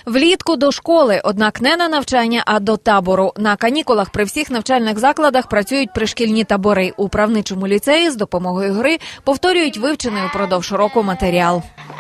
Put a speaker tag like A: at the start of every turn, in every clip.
A: Влітку до школи, однак не на навчання, а до табору. На канікулах при всіх навчальних закладах працюють пришкільні табори. У правничому ліцеї з допомогою гри повторюють вивчений упродовж року матеріал.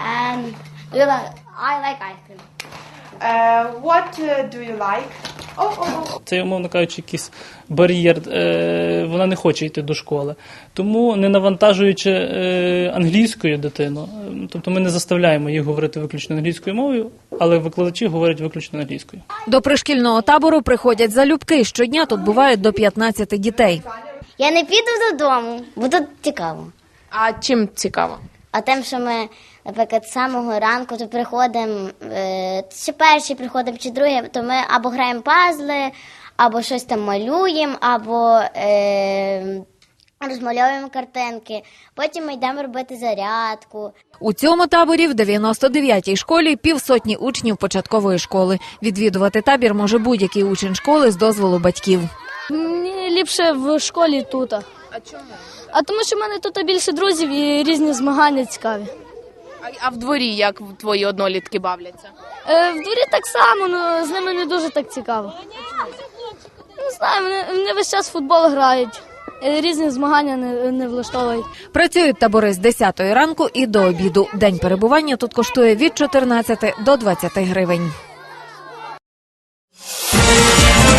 B: What do you like?
C: Це, умовно кажучи, якийсь бар'єр, вона не хоче йти до школи. Тому, не навантажуючи англійською дитину, тобто ми не заставляємо їх говорити виключно англійською мовою, але викладачі говорять виключно англійською.
A: До пришкільного табору приходять залюбки. Щодня тут бувають до 15 дітей.
D: Я не піду додому, бо тут цікаво.
E: А чим цікаво?
D: А тим, що ми, наприклад, з самого ранку то приходимо, чи перші приходимо, чи другі, то ми або граємо пазли, або щось там малюємо, або розмальовуємо картинки. Потім ми йдемо робити зарядку.
A: У цьому таборі в 99-й школі півсотні учнів початкової школи. Відвідувати табір може будь-який учень школи з дозволу батьків.
F: Мені ліпше в школі тут.
E: А чому?
F: А тому, що в мене тут більше друзів і різні змагання цікаві.
E: А в дворі як твої однолітки бавляться?
F: В дворі так само, але з ними не дуже так цікаво. Не знаю, вони весь час в футбол грають. Різні змагання не влаштовують.
A: Працюють табори з 10-ї ранку і до обіду. День перебування тут коштує від 14 до 20 гривень.